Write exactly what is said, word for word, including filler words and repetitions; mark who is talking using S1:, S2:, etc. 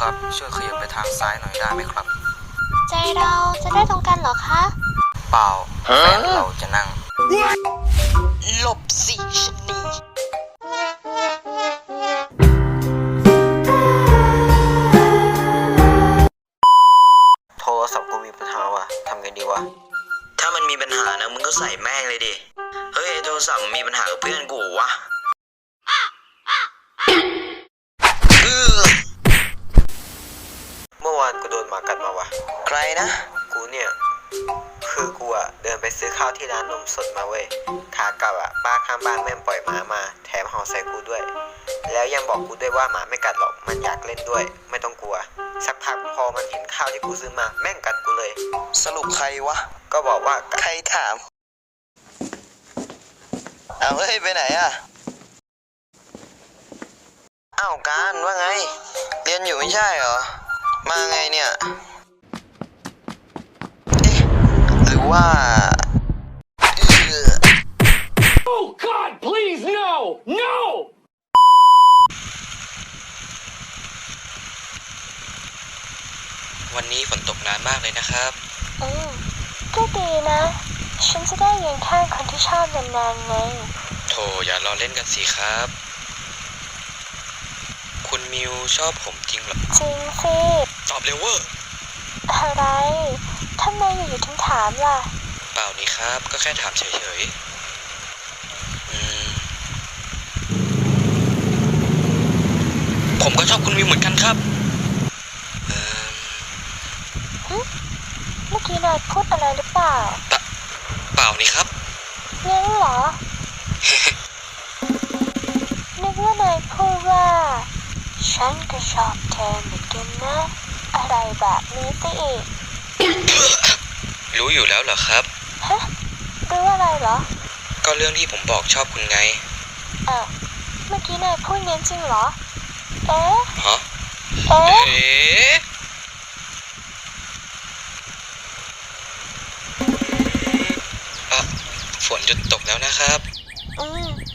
S1: ครับ ช่วยขยับไปทางซ้ายหน่อยได้ไหมครับ
S2: ใจเราจะได้ตรงกันเหรอคะ
S1: เปล่าแฟนเราจะนั่ง
S2: หลบสิชนี
S1: โทรศัพท์กูมีปัญหาว่ะทำไงดีวะ ถ้ามันมีปัญหานะมึงก็ใส่แม่งเลยดิ เฮ้ยโทรศัพท์มีปัญหากับเพื่อนกูวะเมื่อวานกูโดนหมากัดมาวะใครนะ กูเนี่ย คือกูอะเดินไปซื้อข้าวที่ร้านนมสดมาเว้ยขากลับอะป้าข้างบ้านแม่งปล่อยหมามา แถมเห่าใส่กูด้วย แล้วยังบอกกูด้วยว่าหมาไม่กัดหรอกมันอยากเล่นด้วย ไม่ต้องกลัว สักพักพอมันเห็นข้าวที่กูซื้อมาแม่งกัดกูเลย สรุปใครวะ ก็บอกว่าใครถามเอาเฮ้ยไปไหนอะอ้าวการว่าไง เรียนอยู่ไม่ใช่เหรอ มาไงเนี่ยเอ๊ะหรือว่า
S3: Oh God, please no! No!
S1: วันนี้ฝนตกนานมากเลยนะครับ
S2: อืมก็ดีนะ ฉันจะได้ยืนข้างคนที่ชอบนานๆไง
S1: โถอย่ารอเล่นกันสิครับ คุณมิวชอบผมจริงเหรอ
S2: จริงสิ
S1: ตอบเร็วเวอร์
S2: อะไรทำไมอยู่ๆถึงถามล่ะ
S1: เปล่านี่ครับ ก็แค่ถามเฉยๆอืมผมก็ชอบคุณมิวเหมือนกันครับเอ่อ
S2: เมื่อกี้นายพูดอะไรหรือเปล่า
S1: ปะเปล่านี่ครับ
S2: งั้นเหรอ นึกว่านายพูดว่า ฉันก็ชอบเธอเหมือนกันนะ อะไรแบบนี้สิอีก
S1: รู้อยู่แล้วเหรอครับ
S2: ฮะรู้อะไรเหรอ
S1: ก็เรื่องที่ผมบอกชอบคุณไง
S2: เออเมื่อกี้นายพูดงั้นจริงเหรอ เอ๊ะ
S1: ฮะ
S2: เอ๊ะ
S1: เอ๊ะอ่ะฝนหยุดตกแล้วนะครับ
S2: อืม